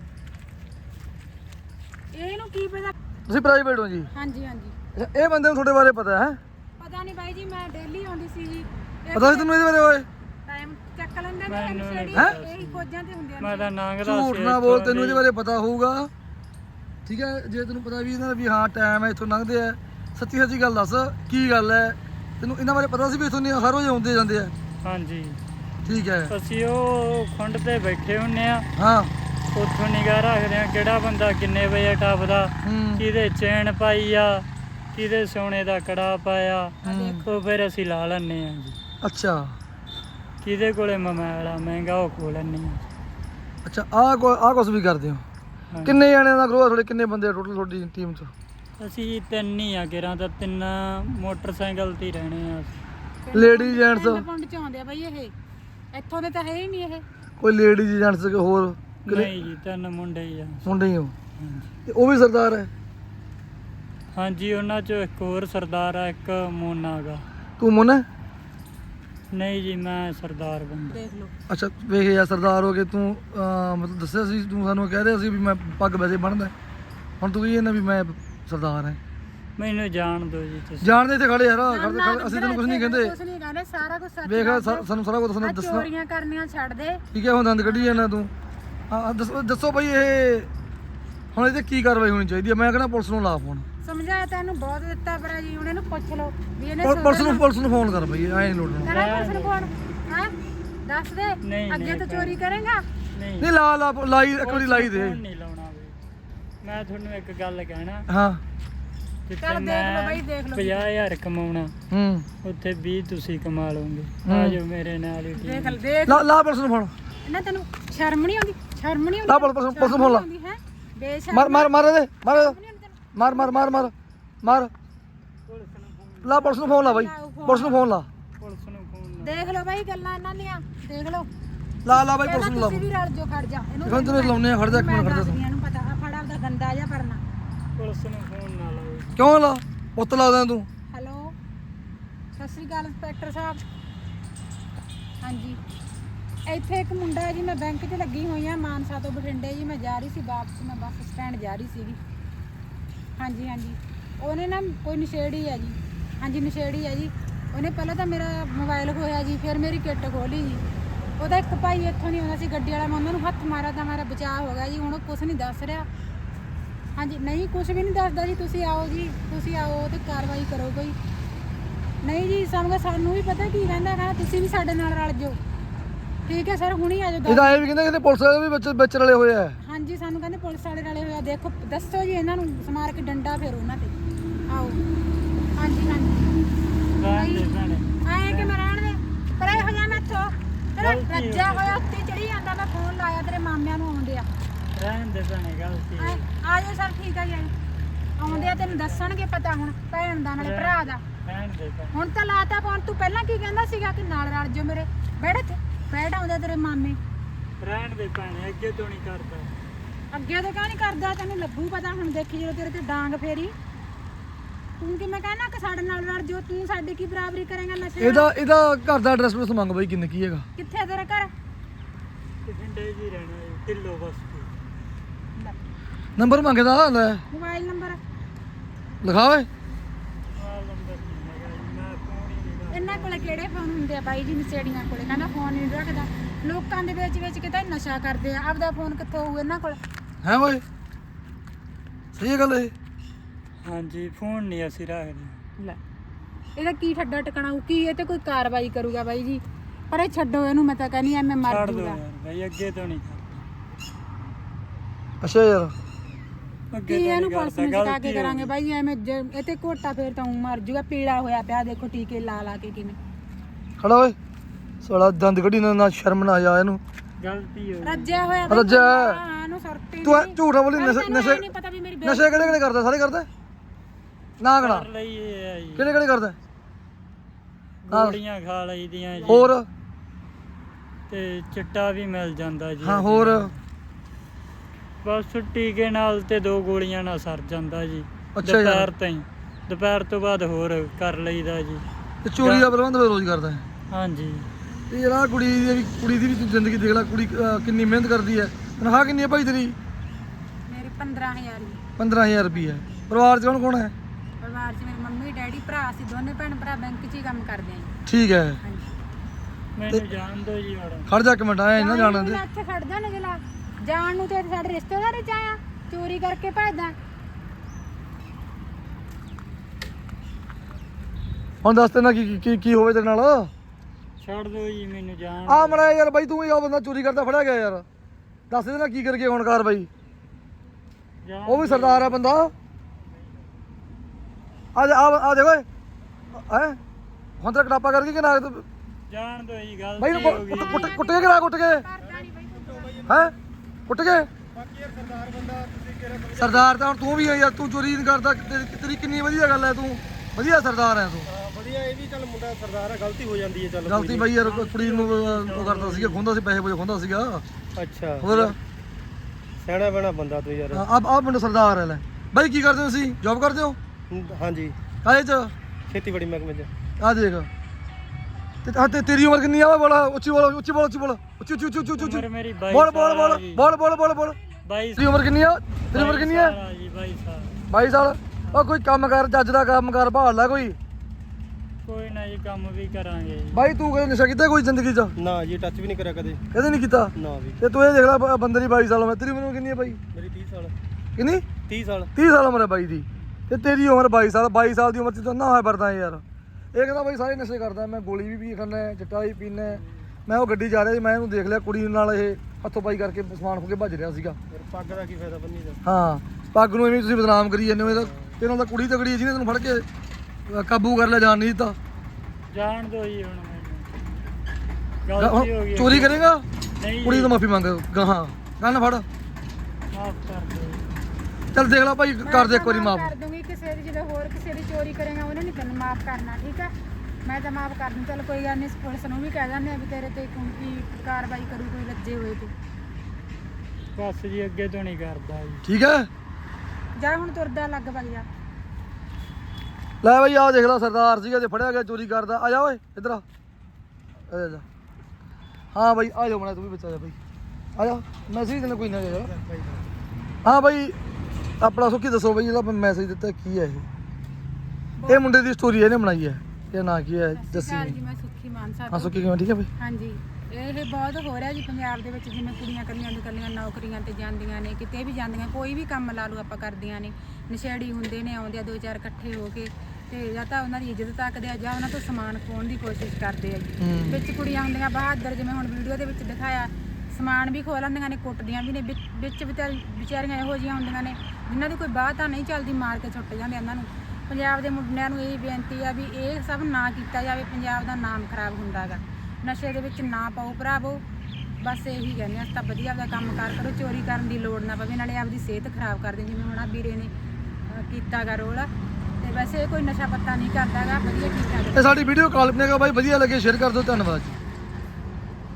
[SPEAKER 2] ਇਹਨੂੰ ਕੀ ਪਤਾ?
[SPEAKER 1] ਤੁਸੀਂ ਪ੍ਰਾਈਵੇਟ ਹੋ ਜੀ?
[SPEAKER 2] ਹਾਂਜੀ ਹਾਂਜੀ।
[SPEAKER 1] ਅੱਛਾ, ਇਹ ਬੰਦੇ ਨੂੰ ਤੁਹਾਡੇ ਬਾਰੇ ਪਤਾ ਹੈ?
[SPEAKER 2] ਪਤਾ ਨਹੀਂ ਬਾਈ ਜੀ, ਮੈਂ ਡੇਲੀ ਆਉਂਦੀ ਸੀ ਜੀ।
[SPEAKER 1] ਪਤਾ ਸੀ ਤੁਹਾਨੂੰ ਇਹਦੇ ਬਾਰੇ? ਓਏ
[SPEAKER 2] ਟਾਈਮ ਚੱਕ ਲੈਂਦੇ ਨੇ
[SPEAKER 3] ਮੈਨੂੰ
[SPEAKER 2] ਨਸ਼ੇੜੀ,
[SPEAKER 1] ਨਹੀਂ
[SPEAKER 2] ਇਹੀ ਖੋਜਾਂ ਤੇ ਹੁੰਦੇ
[SPEAKER 3] ਮੈਂ
[SPEAKER 2] ਨੇ।
[SPEAKER 3] ਤਾਂ ਨਾਂਗਦਾ
[SPEAKER 1] ਝੂਠ ਨਾ ਬੋਲ, ਤੈਨੂੰ ਇਹਦੇ ਬਾਰੇ ਪਤਾ ਹੋਊਗਾ ਠੀਕ ਹੈ। ਜੇ ਤੈਨੂੰ ਪਤਾ ਵੀ ਇਹਨਾਂ ਦਾ ਵੀ ਹਾਂ ਟਾਈਮ ਹੈ ਇੱਥੋਂ ਲੰਘਦੇ ਆ, ਸੱਚੀ ਸੱਚੀ ਗੱਲ ਦੱਸ ਕੀ ਗੱਲ ਹੈ? ਤੈਨੂੰ ਇਹਨਾਂ ਬਾਰੇ ਪਤਾ ਸੀ ਵੀ ਇੱਥੋਂ ਨਹੀਂ ਹਰ ਰੋਜ਼ ਆਉਂਦੇ ਜਾਂਦੇ ਆ?
[SPEAKER 3] ਹਾਂਜੀ,
[SPEAKER 1] ਠੀਕ ਹੈ।
[SPEAKER 3] ਅਸੀਂ ਉਹ ਖੁੰਡ ਤੇ ਬੈਠੇ ਹੁੰਨੇ ਆ,
[SPEAKER 1] ਹਾਂ।
[SPEAKER 3] ਉੱਥੋਂ ਨਿਗਾਹ ਰੱਖਦੇ ਆ ਕਿਹੜਾ ਬੰਦਾ ਕਿੰਨੇ ਵਜੇ ਟੱਪਦਾ,
[SPEAKER 1] ਹੂੰ।
[SPEAKER 3] ਕਿਹਦੇ ਚੈਨ ਪਾਈ ਆ, ਕਿਹਦੇ ਸੋਨੇ ਦਾ ਕੜਾ ਪਾਇਆ,
[SPEAKER 1] ਹੂੰ।
[SPEAKER 3] ਉਹ ਫਿਰ ਅਸੀਂ ਲਾ ਲੈਂਦੇ ਆ ਜੀ।
[SPEAKER 1] ਅੱਛਾ
[SPEAKER 3] ਕਿਹਦੇ ਕੋਲੇ ਮੋਬਾਈਲ ਆ ਮਹਿੰਗਾ, ਉਹ ਖੋਲ ਲੈਂਦੇ ਆ।
[SPEAKER 1] ਅੱਛਾ, ਆਹ ਕੋ ਆਹ ਕੁਛ ਵੀ ਕਰਦੇ ਹੋ?
[SPEAKER 3] ਹਾਂਜੀ।
[SPEAKER 1] ਕਿੰਨੇ ਜਣਿਆਂ ਦਾ ਗਰੋਹ? ਤੁਹਾਡੇ ਕਿੰਨੇ ਬੰਦੇ ਟੋਟਲ ਤੁਹਾਡੀ ਟੀਮ 'ਚ?
[SPEAKER 3] ਅਸੀਂ ਤਿੰਨ ਹੀ ਆ, ਕਿਰਾਂ ਤਾਂ ਤਿੰਨ ਮੋਟਰਸਾਈਕਲ ਤੇ ਹੀ ਰਹਿਣੇ ਆ ਅਸੀਂ।
[SPEAKER 1] Ladies gents?
[SPEAKER 2] ਪਿੰਡ ਪੁੰਡ ਚ ਆਉਂਦੇ ਆ ਬਈ ਇਹ, ਇੱਥੋਂ ਦੇ ਤਾਂ ਹੈ ਹੀ ਨਹੀਂ ਇਹ।
[SPEAKER 1] ਕੋਈ ਲੇਡੀਜ਼ ਜੈਂਟਸ ਹੋਰ
[SPEAKER 3] ਨਹੀਂ ਜੀ, ਤਿੰਨ ਮੁੰਡੇ ਹੀ ਆ।
[SPEAKER 1] ਮੁੰਡੇ ਹੀ ਹੋ?
[SPEAKER 3] ਹਾਂਜੀ।
[SPEAKER 1] ਤੇ ਉਹ ਵੀ ਸਰਦਾਰ ਹੈ?
[SPEAKER 3] ਹਾਂਜੀ, ਉਹਨਾਂ ਚੋਂ ਇੱਕ ਹੋਰ ਸਰਦਾਰ ਆ, ਇੱਕ ਮੋਨਾ ਗਾ।
[SPEAKER 1] ਤੂੰ ਮੁੰਨਾ?
[SPEAKER 3] ਨਹੀਂ ਜੀ, ਮੈਂ ਸਰਦਾਰ ਬੰਦਾ।
[SPEAKER 2] ਦੇਖ ਲਓ।
[SPEAKER 1] ਅੱਛਾ ਵੇਖ ਯਾਰ, ਸਰਦਾਰ ਹੋ ਕੇ ਤੂੰ ਅਹ, ਮਤਲਬ ਦੱਸਿਆ ਸੀ ਤੂੰ ਸਾਨੂੰ, ਕਹਿ ਰਿਹਾ ਸੀ ਵੀ ਮੈਂ ਪੱਗ ਵੈਸੇ ਬੰਨ੍ਹਦਾ, ਹੁਣ ਤੂੰ ਇਹ ਨਾ ਵੀ ਮੈਂ ਸਰਦਾਰ ਹਾਂ।
[SPEAKER 3] ਮੈਨੂੰ ਜਾਣ ਦਿਓ ਜੀ ਤੁਸੀਂ।
[SPEAKER 1] ਜਾਣਦੇ ਤੇ ਖੜੇ ਯਾਰ,
[SPEAKER 2] ਨਾ,
[SPEAKER 1] ਖੜਦੇ
[SPEAKER 2] ਨਾ,
[SPEAKER 1] ਖੜੇ, ਅਸੀਂ ਤੈਨੂੰ ਕੁਝ ਨਹੀਂ ਕਹਿੰਦੇ।
[SPEAKER 2] ਕੁਛ ਨਹੀਂ ਕਹਿੰਦੇ, ਸਾਰਾ ਕੁਝ ਸੱਚ
[SPEAKER 1] ਵੇਖ
[SPEAKER 2] ਦੱਸਦੇ।
[SPEAKER 1] ਸਾ- ਸਾਨੂੰ ਸਾਰਾ ਕੁਝ ਦੱਸਣਾ
[SPEAKER 2] ਆਹ
[SPEAKER 1] ਦੱਸਣਾ
[SPEAKER 2] ਚੋਰੀਆਂ ਕਰਨੀਆਂ ਛੱਡ ਦੇ।
[SPEAKER 1] ਠੀਕ ਹੈ। ਹੁਣ ਦੰਦ ਕੱਢੀ ਜਾਂਦਾ ਤੂੰ। ਹਾਂ ਦੱਸੋ ਦੱਸੋ ਬਈ, ਇਹ ਹੁਣ ਇਹਦੇ ਕੀ ਕਾਰਵਾਈ ਹੋਣੀ ਚਾਹੀਦੀ ਹੈ? ਮੈਂ ਕਹਿੰਦਾ ਪੁਲਿਸ ਨੂੰ ਲਾ ਫੋਨ।
[SPEAKER 2] ਸਮਝਾਇਆ ਤੈਨੂੰ ਬਹੁਤ ਦਿੱਤਾ ਪਰ ਜੀ, ਹੁਣ ਇਹਨੂੰ ਪੁੱਛ ਲਓ ਵੀ ਇਹਨੇ
[SPEAKER 1] ਪੁਲ- ਪੁਲਿਸ ਨੂੰ ਪੁਲਿਸ ਨੂੰ ਫੋਨ ਕਰ ਬਈ, ਐਂ ਨਹੀਂ ਲੋਟਣਾ।
[SPEAKER 2] ਕਰਾਂ ਪੁਲਿਸ ਨੂੰ ਫੋਨ? ਹਾਂ ਦੱਸ ਦੇ,
[SPEAKER 3] ਨਹੀਂ,
[SPEAKER 2] ਅੱਗੇ
[SPEAKER 3] ਨਹੀਂ
[SPEAKER 2] ਤੋਂ ਚੋਰੀ ਕਰੇਗਾ?
[SPEAKER 3] ਨਹੀਂ
[SPEAKER 1] ਨਹੀਂ ਲਾ ਲਾ ਲਾਈ, ਇੱਕ ਵਾਰੀ ਲਾਈ ਦੇ।
[SPEAKER 3] ਫੋਨ ਨਹੀਂ ਲਾਉਣਾ ਬਈ। ਮੈਂ ਤੁਹਾਨੂੰ ਇੱਕ ਗੱਲ ਕਹਿਣਾ,
[SPEAKER 1] ਹਾਂ।
[SPEAKER 3] ਜਿੱਥੇ
[SPEAKER 2] ਚੱਲ ਦੇਖ ਲਓ
[SPEAKER 3] ਮੈਂ
[SPEAKER 2] ਬਈ, ਦੇਖ ਲਓ।
[SPEAKER 3] ਪੰਜਾਹ ਹਜ਼ਾਰ ਕਮਾਉਣਾ,
[SPEAKER 1] ਹੂੰ।
[SPEAKER 3] ਉੱਥੇ ਵੀਹ ਤੁਸੀਂ ਕਮਾ ਲਓਗੇ।
[SPEAKER 1] ਹੂੰ।
[SPEAKER 3] ਆ ਜਾਓ ਮੇਰੇ ਨਾਲ ਹੀ
[SPEAKER 2] ਦੇਖ
[SPEAKER 3] team।
[SPEAKER 2] ਲੈ ਦੇਖ
[SPEAKER 1] ਲਾ ਲਾ ਪੁਲਿਸ ਨੂੰ ਫੋਨ।
[SPEAKER 2] ਇਹਨਾਂ ਤੈਨੂੰ ਸ਼ਰਮ ਨਹੀਂ ਆਉਂਦੀ? ਸ਼ਰਮ ਨਹੀਂ ਆਉਂਦੀ?
[SPEAKER 1] ਲਾ ਪੁਲਿਸ ਪੁਲਿਸ ਨੂੰ ਫੋਨ ਲਾ।
[SPEAKER 2] ਹੈ ਬੇਸ਼ਰਮ।
[SPEAKER 1] ਮਾਰ ਮਾਰ ਮਾਰ ਇਹਦੇ ਮਾਰ ਇਹਦੇ। ਮਾਰ ਮਾਰ ਮਾਰ ਮਾਰ ਮਾਰ।
[SPEAKER 3] ਪੁਲਿਸ ਨੂੰ ਫੋਨ
[SPEAKER 1] ਲਾ ਪੁਲਿਸ ਨੂੰ ਫੋਨ ਲਾ ਬਾਈ, ਪੁਲਿਸ ਨੂੰ ਫੋਨ ਲਾ।
[SPEAKER 3] ਪੁਲਿਸ ਨੂੰ ਫੋਨ ਨਾ।
[SPEAKER 2] ਦੇਖ ਲਓ ਬਾਈ ਗੱਲਾਂ ਇਹਨਾਂ ਦੀਆਂ, ਦੇਖ ਲਓ।
[SPEAKER 1] ਲਾ ਲਾ ਬਾਈ ਪੁਲਿਸ ਨੂੰ ਲਾ।
[SPEAKER 2] ਤੁਸੀਂ ਵੀ ਰਲ ਜੋ, ਖੜ ਜਾ ਇਹਨੂੰ।
[SPEAKER 1] ਹੁਣ ਤੈਨੂੰ ਲਾਉਨੇ ਆ, ਖੜ ਜਾ ਇੱਕ ਮਿੰਟ, ਖੜ ਜਾ ਤੂੰ।
[SPEAKER 2] ਇਹਨੂੰ ਪਤਾ ਆ, ਫੜਾ ਆਪਦਾ ਗੰਦਾ ਜਿਹਾ ਪਰਨਾ।
[SPEAKER 3] ਪੁਲਿਸ ਨੂੰ ਫੋਨ ਨਾ ਲਾਓ।
[SPEAKER 1] ਕਿਉਂ ਲਾ? ਉੱਤ ਲਾਦਾ ਤੂੰ।
[SPEAKER 2] ਹੈਲੋ, ਸਤਿ ਸ੍ਰੀ ਅਕਾਲ ਇੰਸਪੈਕਟਰ ਸਾਹਿਬ। ਹਾਂਜੀ, ਇੱਥੇ ਇੱਕ ਮੁੰਡਾ ਹੈ ਜੀ, ਮੈਂ ਬੈਂਕ 'ਚ ਲੱਗੀ ਹੋਈ ਆ ਮਾਨਸਾ ਤੋਂ ਬਠਿੰਡੇ ਜੀ। ਮੈਂ ਜਾ ਰਹੀ ਸੀ ਵਾਪਸ, ਮੈਂ ਬੱਸ ਸਟੈਂਡ ਜਾ ਰਹੀ ਸੀਗੀ। ਹਾਂਜੀ ਹਾਂਜੀ, ਉਹਨੇ ਨਾ ਕੋਈ ਨਸ਼ੇੜੀ ਹੈ ਜੀ। ਹਾਂਜੀ ਨਸ਼ੇੜੀ ਹੈ ਜੀ। ਉਹਨੇ ਪਹਿਲਾਂ ਤਾਂ ਮੇਰਾ ਮੋਬਾਈਲ ਖੋਇਆ ਜੀ, ਫਿਰ ਮੇਰੀ ਕਿੱਟ ਖੋਲੀ ਜੀ। ਉਹਦਾ ਇੱਕ ਭਾਈ ਇੱਥੋਂ ਨਹੀਂ ਆਉਂਦਾ ਸੀ, ਗੱਡੀ ਵਾਲਾ। ਮੈਂ ਉਹਨਾਂ ਨੂੰ ਹੱਥ ਮਾਰਿਆ ਤਾਂ ਮੇਰਾ ਬਚਾਅ ਹੋ ਗਿਆ ਜੀ। ਹੁਣ ਉਹ ਕੁਛ ਨਹੀਂ ਦੱਸ ਰਿਹਾ। ਹਾਂਜੀ ਨਹੀਂ, ਕੁਛ ਵੀ ਨਹੀਂ ਦੱਸਦਾ ਜੀ। ਤੁਸੀਂ ਆਓ ਜੀ, ਤੁਸੀਂ ਆਓ ਤੇ ਕਾਰਵਾਈ ਕਰੋ ਕੋਈ। ਨਹੀਂ ਜੀ, ਸਮਝ ਸਾਨੂੰ ਵੀ ਪਤਾ ਕੀ ਕਹਿੰਦਾ, ਕਹਿੰਦਾ ਤੁਸੀਂ ਵੀ ਸਾਡੇ ਨਾਲ ਰਲ ਜਾਓ। ਠੀਕ ਹੈ ਸਰ, ਹੁਣੀ ਆ ਜਾਓ।
[SPEAKER 1] ਇਹਦਾ ਇਹ ਵੀ ਕਹਿੰਦਾ ਕਿ ਪੁਲਿਸ ਵਾਲੇ ਵੀ ਵਿੱਚ ਵਿੱਚ ਰਲੇ ਹੋਏ ਆ।
[SPEAKER 2] ਹਾਂਜੀ, ਸਾਨੂੰ ਕਹਿੰਦੇ ਪੁਲਿਸ ਵਾਲੇ ਰਲੇ ਹੋਏ ਆ। ਦੇਖੋ ਦੱਸੋ ਜੀ ਇਹਨਾਂ ਨੂੰ, ਸਮਾਰ ਕੇ ਡੰਡਾ ਫੇਰੋ ਉਹਨਾਂ ਤੇ। ਆਓ। ਹਾਂਜੀ ਹਾਂਜੀ,
[SPEAKER 3] ਰਹਿਣ ਦੇ ਭੈਣੇ।
[SPEAKER 2] ਆਏ ਕਿ ਮੈਂ ਰਹਿਣ ਦੇ ਪਰ ਇਹੋ ਜਿਹਾ ਮੈਂ ਇੱਥੋਂ ਤੇਰਾ
[SPEAKER 3] ਗਲਤੀ ਹੋ
[SPEAKER 2] ਰੱਜਿਆ ਹੋਇਆ ਉੱਤੇ ਚੜੀ ਜਾਂਦਾ। ਮੈਂ ਫੋਨ ਲਾਇਆ, ਤੇਰੇ ਮਾਮਿਆਂ ਨੂੰ ਆਉਂਦੇ ਆ।
[SPEAKER 3] ਰਹਿਣ ਦੇ ਭੈਣੇ, ਗਲਤੀ
[SPEAKER 2] ਆਏ, ਆ ਜਾਓ ਸਰ, ਠੀਕ ਆ ਜੀ। ਆਉਂਦੇ ਆ, ਤੈਨੂੰ ਦੱਸਣਗੇ ਪਤਾ ਹੁਣ ਭੈਣ ਦਾ ਨਾਲੇ ਭਰਾ ਦਾ।
[SPEAKER 3] ਰਹਿਣ ਦੇ ਭੈਣੇ।
[SPEAKER 2] ਹੁਣ ਤਾਂ ਲਾਤਾ ਫੋਨ। ਤੂੰ ਪਹਿਲਾਂ ਕੀ ਕਹਿੰਦਾ ਸੀਗਾ ਕਿ ਨਾਲ ਰਲ ਜਾਓ ਮੇਰੇ? ਬੈਠ ਇੱਥੇ, ਬੈਠ। ਆਉਂਦੇ ਤੇਰੇ ਮਾਮੇ।
[SPEAKER 3] ਰਹਿਣ ਦੇ ਭੈਣੇ, ਅੱਗੇ ਤੋਂ ਨਹੀਂ ਕਰਦਾ।
[SPEAKER 2] ਅੱਗੇ ਤੋਂ ਕਿਉਂ ਨਹੀਂ ਕਰਦਾ? ਤੈਨੂੰ ਲੱਗੂ ਪਤਾ ਹੁਣ, ਦੇਖੀ ਜਦੋਂ ਤੇਰੇ ਤੇ ਡਾਂਗ ਫੇਰੀ। ਤੂੰ ਕਿ ਮੈਂ ਕਹਿਣਾ ਕਿ ਸਾਡੇ ਨਾਲ ਰਲ ਜਾਓ, ਤੂੰ ਸਾਡੇ ਕੀ ਬਰਾਬਰੀ ਕਰੇਂਗਾ ਨਸ਼ੇ ਨਾਲ?
[SPEAKER 1] ਇਹਦਾ ਇਹਦਾ ਘਰ ਦਾ ਐਡਰੈਸ ਪੁਲਿਸ ਮੰਗ ਬਾਈ, ਕਿੰਨੇ ਕੀ ਹੈਗਾ?
[SPEAKER 2] ਕਿੱਥੇ ਆ ਤੇਰਾ ਘਰ?
[SPEAKER 3] ਬਠਿੰਡੇ ਜੀ ਰਹਿਣਾ ਹੈ, ਢਿੱਲੋਂ ਬਸਤੀ।
[SPEAKER 1] ਨੰਬਰ ਮੰਗਦਾ ਲੈ,
[SPEAKER 2] ਮੋਬਾਈਲ ਨੰਬਰ
[SPEAKER 1] ਲਿਖਾ ਓਏ।
[SPEAKER 3] ਆ ਲੰਬਰ ਕੀ ਹੈਗਾ ਜੀ, ਮੈਂ
[SPEAKER 2] ਇਹਨਾਂ ਕੋਲੇ ਕਿਹੜੇ ਫੋਨ ਹੁੰਦੇ ਆ ਬਾਈ ਜੀ ਨਸ਼ੇੜੀਆਂ ਕੋਲੇ, ਕਹਿੰਦਾ ਫੋਨ ਨਹੀਂ ਰੱਖਦਾ। ਲੋਕਾਂ ਦੇ ਵਿੱਚ ਵਿੱਚ ਕਿਤੇ ਨਸ਼ਾ ਕਰਦੇ ਆ, ਆਪਦਾ ਫੋਨ ਕਿੱਥੋਂ ਹੋਊ ਇਹਨਾਂ ਕੋਲ?
[SPEAKER 1] ਹੈ ਓਏ ਸਹੀ ਗੱਲ ਇਹ।
[SPEAKER 3] ਹਾਂਜੀ ਫੋਨ ਨਹੀਂ ਅਸੀਂ ਰੱਖਦੇ।
[SPEAKER 2] ਲੈ ਇਹਦਾ ਕੀ ਠੱਡਾ ਟਿਕਾਣਾ ਹੋਊ, ਕੀ ਇਹ ਤੇ ਕੋਈ ਕਾਰਵਾਈ ਕਰੂਗਾ ਬਾਈ ਜੀ? ਪਰ ਇਹ ਛੱਡੋ ਇਹਨੂੰ, ਮੈਂ ਤਾਂ ਕਹਿੰਦੀ ਐਵੇਂ ਮਰ
[SPEAKER 3] ਛੱਡ ਦੋ
[SPEAKER 2] ਜੂਗਾ।
[SPEAKER 3] ਯਾਰ ਬਾਈ, ਅੱਗੇ ਤੋਂ ਨਹੀਂ ਕਰਦਾ,
[SPEAKER 1] ਅੱਛਾ ਯਾਰ
[SPEAKER 3] ਅੱਗੇ
[SPEAKER 2] ਕੀ
[SPEAKER 3] ਤੋਂ
[SPEAKER 2] ਇਹਨੂੰ
[SPEAKER 3] ਨਹੀਂ
[SPEAKER 2] ਪੁਲਿਸ
[SPEAKER 3] ਕਰਦਾ,
[SPEAKER 2] ਨੂੰ ਚੁਕਾ
[SPEAKER 3] ਗਲਤੀ
[SPEAKER 2] ਕੇ
[SPEAKER 3] ਹੋ
[SPEAKER 2] ਕਰਾਂਗੇ
[SPEAKER 3] ਗਈ।
[SPEAKER 2] ਬਾਈ ਐਵੇਂ ਜੇ ਇਹ ਤੇ ਘੋਟਾ ਫੇਰ ਤਾਂ ਊਂ ਮਰ ਜੂਗਾ, ਪੀਲਾ ਹੋਇਆ ਪਿਆ ਦੇਖੋ ਟੀਕੇ ਲਾ ਲਾ ਕੇ ਕਿਵੇਂ।
[SPEAKER 1] ਖੜਾ ਓਏ ਸਾਲਾ ਦੰਦ ਕੱਢੀ ਨਾ, ਨਾ ਸ਼ਰਮ ਨਾ ਆ ਇਹਨੂੰ।
[SPEAKER 3] ਗਲਤੀ ਹੋ ਗਈ।
[SPEAKER 2] ਰੱਜਿਆ ਹੋਇਆ ਬਾਈ,
[SPEAKER 1] ਰੱਜਿਆ।
[SPEAKER 2] ਹਾਂ, ਇਹਨੂੰ ਸੁਰਤੀ
[SPEAKER 1] ਤੂੰ ਐ
[SPEAKER 2] ਨਹੀਂ।
[SPEAKER 1] ਝੂਠ ਨਾ ਬੋਲੀ।
[SPEAKER 2] ਪਰ
[SPEAKER 1] ਨਸ਼ੇ
[SPEAKER 2] ਤੈਨੂੰ ਇਹ
[SPEAKER 1] ਨਸ਼ੇ
[SPEAKER 2] ਨਹੀਂ ਪਤਾ ਵੀ ਮੇਰੀ
[SPEAKER 1] ਨਸ਼ੇ ਕਿਹੜੇ ਕਿਹੜੇ ਕਰਦਾ? ਸਾਰੇ ਕਰਦਾ ਨਾ ਗਣਾ?
[SPEAKER 3] ਕਰ ਲਈ ਇਹ ਆ ਜੀ,
[SPEAKER 1] ਕਿਹੜੇ ਕਿਹੜੇ ਕਰਦਾ? ਹਾਂ।
[SPEAKER 3] ਗੋਲੀਆਂ ਖਾ ਲਈਦੀਆਂ ਜੀ,
[SPEAKER 1] ਹੋਰ
[SPEAKER 3] ਤੇ ਚਿੱਟਾ ਵੀ ਮਿਲ ਜਾਂਦਾ ਜੀ।
[SPEAKER 1] ਹਾਂ ਹੋਰ
[SPEAKER 3] ਬਸ ਟੀਕੇ ਨਾਲ ਤੇ ਦੋ ਗੋਲੀਆਂ ਨਾਲ ਸਰ ਜਾਂਦਾ ਜੀ।
[SPEAKER 1] ਅੱਛਾ ਯਾਰ।
[SPEAKER 3] ਦੁਪਹਿਰ ਤਾਈਂ, ਦੁਪਹਿਰ ਤੋਂ ਬਾਅਦ ਹੋਰ ਕਰ ਲਈਦਾ ਜੀ।
[SPEAKER 1] ਤੇ ਚੋਰੀ ਦਾ ਪ੍ਰਬੰਧ ਫਿਰ ਰੋਜ਼ ਕਰਦਾ ਹੈ।
[SPEAKER 3] ਹਾਂਜੀ
[SPEAKER 1] ਤੇ ਯਾਰ ਆਹ ਕੁੜੀ ਦੀ ਵੀ ਕੁੜੀ ਦੀ ਵੀ ਤੂੰ ਜ਼ਿੰਦਗੀ ਦੇਖ ਲੈ, ਕੁੜੀ ਅਹ, ਕਿੰਨੀ ਮਿਹਨਤ ਕਰਦੀ ਹੈ। ਤਨਖਾਹ ਕਿੰਨੀ ਹੈ ਭਾਈ ਤੇਰੀ?
[SPEAKER 2] ਮੇਰੀ ਪੰਦਰਾਂ ਹਜ਼ਾਰ ਹੀ।
[SPEAKER 1] ਪੰਦਰਾਂ ਹਜ਼ਾਰ ਰੁਪਈਆ। ਪਰਿਵਾਰ 'ਚ ਕੌਣ ਕੌਣ ਹੈ?
[SPEAKER 2] ਪਰਿਵਾਰ 'ਚ ਮੇਰੇ ਮੰਮੀ ਡੈਡੀ ਭਰਾ ਸੀ, ਦੋਨੇ ਭੈਣ ਭਰਾ ਬੈਂਕ 'ਚ ਹੀ ਕੰਮ ਕਰਦੇ ਆਂ ਜੀ।
[SPEAKER 1] ਠੀਕ ਹੈ।
[SPEAKER 2] ਹਾਂਜੀ
[SPEAKER 3] ਮੈਨੂੰ ਜਾਣ ਦਿਓ ਜੀ ਹੁਣ।
[SPEAKER 1] ਖੜ ਜਾ ਇੱਕ ਮਿੰਟ, ਆਇਆ ਇਹਨਾਂ ਜਾਣ ਦੇ।
[SPEAKER 2] ਮੈਂ ਇੱਥੇ ਖੜ ਜਾ ਨਜਲਾ ਜਾਣ ਨੂੰ ਤੇ ਸਾਡੇ ਰਿਸ਼ਤੇਦਾਰ ਚ ਆਇਆ, ਚੋਰੀ ਕਰਕੇ ਭੱਜਦਾ।
[SPEAKER 1] ਹੁਣ ਦੱਸ ਤੇ ਨਾ ਕੀ ਕੀ ਕੀ ਹੋਵੇ ਤੇਰੇ ਨਾਲ।
[SPEAKER 3] ਛੱਡ ਦਿਓ ਜੀ ਮੈਨੂੰ ਜਾਣ
[SPEAKER 1] ਆ ਮੜਾ ਯਾਰ ਬਾਈ, ਤੂੰ ਹੀ ਆ ਬੰਦਾ ਚੋਰੀ ਕਰਦਾ ਫੜਿਆ ਗਿਆ ਯਾਰ। ਦੱਸ ਦੇ ਨਾ ਕੀ ਕਰਕੇ ਹੁਣ ਕਾਰਵਾਈ।
[SPEAKER 3] ਜਾਣ
[SPEAKER 1] ਉਹ ਵੀ ਸਰਦਾਰ ਆ ਬੰਦਾ। ਆ ਜਾ ਆ ਆ ਦੇਖੋ ਹੈ ਹੁਣ ਤਾਂ ਕਟਾਪਾ ਕਰਕੇ ਕਿ ਨਾ
[SPEAKER 3] ਜਾਣ ਦਿਓ ਜੀ,
[SPEAKER 1] ਬਾਈ
[SPEAKER 3] ਗਲਤੀ
[SPEAKER 1] ਨੂੰ
[SPEAKER 3] ਹੋ ਗਈ
[SPEAKER 1] ਕੁੱਟ
[SPEAKER 3] ਜੀ।
[SPEAKER 1] ਕੁੱਟ ਕੁੱਟ ਕੇ ਕਰਾ ਕੁੱਟ ਕੇ ਹੈ ਕੁੱਟ ਕੇ। ਸਰਦਾਰ ਤਾਂ ਹੁਣ ਤੂੰ ਵੀ ਹੈ ਯਾਰ, ਤੂੰ ਚੋਰੀ ਨਹੀਂ ਕਰਦਾ। ਤੇਰੀ ਤੇਰੀ ਕਿੰਨੀ ਵਧੀਆ ਗੱਲ ਹੈ, ਤੂੰ ਵਧੀਆ ਸਰਦਾਰ ਹੈ ਤੂੰ।
[SPEAKER 4] ਵਧੀਆ ਇਹ ਵੀ ਚੱਲ ਮੁੰਡਾ ਸਰਦਾਰ ਆ, ਗਲਤੀ ਹੋ ਜਾਂਦੀ ਹੈ ਚੱਲ।
[SPEAKER 1] ਗਲਤੀ ਬਾਈ ਯਾਰ, ਕੁੜੀ ਨੂੰ ਅਹ, ਉਹ ਕਰਦਾ ਸੀਗਾ, ਖੁੰਦਾ ਸੀ, ਪੈਸੇ ਪੂਸੇ ਖੁੰਦਾ ਸੀਗਾ।
[SPEAKER 4] ਅੱਛਾ
[SPEAKER 1] ਹੋਰ
[SPEAKER 4] ਸਿਆਣਾ ਬਣਾ ਬੰਦਾ ਤੂੰ ਯਾਰ।
[SPEAKER 1] ਆ ਆ ਮੁੰਡਾ ਸਰਦਾਰ ਹੈ ਲੈ। ਬਾਈ ਕੀ ਕਰਦੇ ਹੋ ਤੁਸੀਂ? ਜੌਬ ਕਰਦੇ ਹੋ?
[SPEAKER 4] ਹਾਂਜੀ
[SPEAKER 1] ਕਾਹਦੇ ਚ?
[SPEAKER 4] ਖੇਤੀਬਾੜੀ ਮਹਿਕਮੇ ਚ।
[SPEAKER 1] ਆ ਦੇਖ ਤੇ ਆ ਤੇ ਤੇਰੀ ਉਮਰ ਕਿੰਨੀ ਆ ਓਏ? ਬੋਲਾ ਉੱਚੀ ਬੋਲ, ਉੱਚੀ ਬੋਲ, ਉੱਚੀ ਬੋਲ, ਉੱਚੀ ਉੱਚੀ ਉੱਚੀ ਉੱਚੀ
[SPEAKER 3] ਉਮਰ ਮੇਰੀ ਬਾਈ
[SPEAKER 1] ਬੋਲ ਬੋਲ
[SPEAKER 3] ਸਾਲ
[SPEAKER 1] ਬੋਲ
[SPEAKER 3] ਆ ਜੀ।
[SPEAKER 1] ਬੋਲ ਬੋਲ ਬੋਲ ਬੋਲ
[SPEAKER 3] ਬਾਈ
[SPEAKER 1] ਤੇਰੀ ਉਮਰ ਕਿੰਨੀ ਆ? ਤੇਰੀ ਉਮਰ ਕਿੰਨੀ ਆ?
[SPEAKER 3] ਸਾਲ ਜੀ, ਬਾਈ ਸਾਲ।
[SPEAKER 1] ਬਾਈ ਸਾਲ। ਉਹ ਕੋਈ ਕੰਮ ਕਰ, ਚੱਜ ਦਾ ਕੰਮ ਕਰ, ਭਾਲ ਲੈ ਕੋਈ।
[SPEAKER 3] ਕੋਈ ਨਾ ਜੀ, ਕੰਮ ਵੀ ਕਰਾਂਗੇ ਜੀ।
[SPEAKER 1] ਬਾਈ ਤੂੰ ਕਦੇ ਨਸ਼ਾ ਕੀਤਾ ਕੋਈ ਜ਼ਿੰਦਗੀ 'ਚ?
[SPEAKER 4] ਨਾ ਜੀ ਟੱਚ ਵੀ ਨਹੀਂ ਕਰਿਆ ਕਦੇ।
[SPEAKER 1] ਕਦੇ ਨਹੀਂ ਕੀਤਾ?
[SPEAKER 4] ਨਾ ਵੀ।
[SPEAKER 1] ਤੇ ਤੂੰ ਇਹ ਦੇਖ ਲੈ ਬ- ਬੰਦੇ ਦੀ ਬਾਈ ਸਾਲ ਉਮਰ। ਤੇਰੀ ਉਮਰ ਕਿੰਨੀ ਹੈ ਬਾਈ?
[SPEAKER 4] ਮੇਰੀ ਤੀਹ ਸਾਲ।
[SPEAKER 1] ਕਿੰਨੀ?
[SPEAKER 4] ਤੀਹ ਸਾਲ।
[SPEAKER 1] ਤੀਹ ਸਾਲ ਉਮਰ ਹੈ ਬਾਈ ਦੀ, ਤੇ ਤੇਰੀ ਉਮਰ ਬਾਈ ਸਾਲ। ਬਾਈ ਸਾਲ ਦੀ ਉਮਰ 'ਚ ਤੂੰ ਨਾ ਹੋਇਆ ਵਰਦਾ ਯਾਰ। ਇਹ ਕਹਿੰਦਾ ਬਾਈ ਸਾਰੇ ਨਸ਼ੇ ਕਰਦਾ, ਮੈਂ ਗੋਲੀ ਵੀ ਪੀ ਖਾਂਦਾ, ਚਿੱਟਾ ਵੀ ਪੀਂਦਾ। ਮੈਂ ਉਹ ਗੱਡੀ 'ਚ ਆ ਰਿਹਾ ਸੀ, ਮੈਂ ਇਹਨੂੰ ਦੇਖ ਲਿਆ, ਕੁੜੀ ਨਾਲ ਇਹ ਹੱਥੋਂ ਪਾਈ ਕਰਕੇ ਸਮਾਨ ਖੋ ਕੇ ਭੱਜ ਰਿਹਾ ਸੀਗਾ।
[SPEAKER 4] ਫਿਰ ਪੱਗ ਦਾ ਕੀ ਫਾਇਦਾ ਬੰਨੀ ਦਾ।
[SPEAKER 1] ਹਾਂ ਪੱਗ ਨੂੰ ਐਵੇਂ ਤੁਸੀਂ ਬਦਨਾਮ ਕਰੀ ਜਾਂਦੇ ਹੋ। ਇਹਦਾ ਇਹਨਾਂ ਦਾ ਕੁੜੀ ਤਗੜੀ ਹੈ ਜਿਹਨੇ ਤੈਨੂੰ ਫੜ ਕੇ ਅਹ, ਕਾਬੂ ਕਰ ਲਿਆ, ਜਾਣ ਨਹੀਂ ਦਿੱਤਾ।
[SPEAKER 3] ਜਾਣ ਦਿਓ ਜੀ ਹੁਣ ਮੈਨੂੰ।
[SPEAKER 1] ਗਾ-
[SPEAKER 3] ਗਲਤੀ ਹੋ
[SPEAKER 1] ਹੁਣ
[SPEAKER 3] ਗਈ।
[SPEAKER 1] ਚੋਰੀ ਕਰੇਗਾ?
[SPEAKER 3] ਨਹੀਂ
[SPEAKER 1] ਕੁੜੀ ਤੋਂ ਮਾਫੀ ਮੰਗ ਗਾਹਾਂ ਕੰਨ ਫੜ।
[SPEAKER 3] ਮਾਫ ਕਰ ਦਿਓ ਜੀ।
[SPEAKER 1] ਚੱਲ ਦੇਖ ਲੈ ਭਾਈ, ਕਰ ਦੇ ਇੱਕ ਵਾਰੀ ਮਾਫ।
[SPEAKER 2] ਕਰ ਦੂੰਗੀ ਕਿਸੇ ਦੀ, ਜਦੋਂ ਹੋਰ ਕਿਸੇ ਦੀ ਚੋਰੀ ਕਰੇਗਾ ਉਹਨੇ ਨਹੀਂ ਤੈਨੂੰ ਮਾਫ ਕਰਨਾ, ਠੀਕ ਹੈ? ਮੈਂ ਤਾਂ ਮਾਫ ਕਰ ਦੂੰ। ਚਲ ਕੋਈ ਗੱਲ ਨਹੀਂ, ਪੁਲਿਸ ਨੂੰ ਵੀ ਕਹਿ ਦਿੰਦੇ ਆ ਵੀ ਤੇਰੇ ਤੇ ਕੀ ਕਾਰਵਾਈ ਕਰੂ ਕੋਈ ਰੱਜੇ ਹੋਏ ਤੇ।
[SPEAKER 3] ਬਸ ਜੀ ਅੱਗੇ ਤੋਂ ਨਹੀਂ ਕਰਦਾ ਜੀ।
[SPEAKER 1] ਠੀਕ ਹੈ।
[SPEAKER 2] ਜਾ ਹੁਣ ਤੁਰਦਾ ਲੱਗ ਪਈ ਜਾ।
[SPEAKER 1] ਲੈ ਬਈ ਆਹ ਦੇਖ ਲੈ, ਸਰਦਾਰ ਸੀਗਾ ਤੇ ਫੜਿਆ ਗਿਆ ਚੋਰੀ ਕਰਦਾ। ਆ ਜਾ ਓਏ ਇੱਧਰ ਆ। ਆ ਜਾ, ਆ ਜਾ। ਹਾਂ ਬਾਈ ਆ ਜਾ, ਬਣਾ ਤੂੰ ਵੀ ਵਿੱਚ ਆ ਜਾ ਬਾਈ, ਆ ਜਾ। ਮੈਸੇਜ ਦੇਣਾ ਕੋਈ ਨਾ ਯਾਰ। ਹਾਂ ਬਾਈ ਆਪਣਾ ਸੁੱਕੀ ਦੱਸੋ ਬਾਈ, ਇਹਦਾ ਮੈਸੇਜ ਦਿੱਤਾ ਕੀ ਹੈ ਇਹ? ਇਹ ਮੁੰਡੇ ਦੀ ਸਟੋਰੀ ਇਹਨੇ ਬਣਾਈ ਹੈ। ਇਹ ਨਾਂ ਕੀ ਹੈ
[SPEAKER 2] ਸਤਿ
[SPEAKER 1] ਦੱਸੀ?
[SPEAKER 2] ਸ਼੍ਰੀ ਅਕਾਲ ਜੀ, ਮੈਂ ਸੁੱਖੀ ਮਾਨਸਾ
[SPEAKER 1] ਹਾਂ
[SPEAKER 2] ਤੋਂ।
[SPEAKER 1] ਸੁੱਕੀ ਕਿਵੇਂ? ਠੀਕ ਹੈ ਬਾਈ।
[SPEAKER 2] ਹਾਂਜੀ ਇਹ ਬਹੁਤ ਹੋ ਰਿਹਾ ਜੀ ਪੰਜਾਬ ਦੇ ਵਿੱਚ, ਜਿਵੇਂ ਕੁੜੀਆਂ ਕੱਲੀਆਂ ਦੀ ਕੱਲੀਆਂ ਨੌਕਰੀਆਂ ਤੇ ਜਾਂਦੀਆਂ ਨੇ, ਕਿਤੇ ਵੀ ਜਾਂਦੀਆਂ, ਕੋਈ ਵੀ ਕੰਮ ਲਾ ਲਓ ਆਪਾਂ ਕਰਦੀਆਂ ਨੇ। ਨਸ਼ੇੜੀ ਹੁੰਦੇ ਨੇ, ਆਉਂਦੇ ਆ ਦੋ ਚਾਰ ਇਕੱਠੇ ਹੋ ਕੇ, ਤੇ ਜਾਂ ਤਾਂ ਉਹਨਾਂ ਦੀ ਇੱਜ਼ਤ ਤੱਕਦੇ ਆ ਜਾਂ ਉਹਨਾਂ ਤੋਂ ਸਮਾਨ ਖੋਹਣ ਦੀ ਕੋਸ਼ਿਸ਼ ਕਰਦੇ ਆ ਜੀ।
[SPEAKER 1] ਹੂੰ।
[SPEAKER 2] ਵਿੱਚ ਕੁੜੀਆਂ ਹੁੰਦੀਆਂ ਬਹਾਦਰ, ਜਿਵੇਂ ਹੁਣ ਵੀਡੀਓ ਦੇ ਵਿੱਚ ਦਿਖਾਇਆ, ਸਮਾਨ ਵੀ ਖੋਹ ਲੈਂਦੀਆਂ ਨੇ, ਕੁੱਟਦੀਆਂ ਵੀ ਨੇ। ਵਿੱਚ- ਵਿੱਚ ਵਿਚਾਰੀ- ਵਿਚਾਰੀਆਂ ਇਹੋ ਜਿਹੀਆਂ ਹੁੰਦੀਆਂ ਨੇ ਜਿਨ੍ਹਾਂ ਦੀ ਕੋਈ ਬਾਹ ਤਾਂ ਨਹੀਂ ਚੱਲਦੀ, ਮਾਰ ਕੇ ਸੁੱਟ ਜਾਂਦੇ ਇਹਨਾਂ ਨੂੰ। ਪੰਜਾਬ ਦੇ ਮੁੰਡਿਆਂ ਨੂੰ ਇਹ ਬੇਨਤੀ ਆ ਵੀ ਇਹ ਸਭ ਨਾ ਕੀਤਾ ਜਾਵੇ, ਪੰਜਾਬ ਦਾ ਨਾਮ ਖਰਾਬ ਹੁੰਦਾ ਗਾ। ਨਸ਼ੇ ਦੇ ਵਿੱਚ ਨਾ ਪਾਓ ਭਰਾਵੋ, ਬਸ ਇਹੀ ਕਹਿੰਦੇ ਆ। ਤਾਂ ਵਧੀਆ ਆਪਦਾ ਕੰਮ ਕਾਰ ਕਰੋ, ਚੋਰੀ ਕਰਨ ਦੀ ਲੋੜ ਨਾ ਪਵੇ, ਨਾਲੇ ਆਪਦੀ ਸਿਹਤ ਖਰਾਬ ਕਰਦੇ ਜਿਵੇਂ ਹੁਣ ਆ ਵੀਰੇ ਨੇ ਅਹ, ਕੀਤਾ ਗਾ ਰੋਲ। ਤੇ ਵੈਸੇ ਇਹ ਕੋਈ ਨਸ਼ਾ ਪੱਤਾ ਨਹੀਂ ਕਰਦਾ ਗਾ, ਵਧੀਆ ਠੀਕ ਠਾਕ।
[SPEAKER 1] ਇਹ ਸਾਡੀ ਵੀਡੀਓ ਕਾਲਪਨਿਕ ਆ ਬਾਈ, ਵਧੀਆ ਲੱਗੇ ਸ਼ੇਅਰ ਕਰ ਦਿਓ, ਧੰਨਵਾਦ।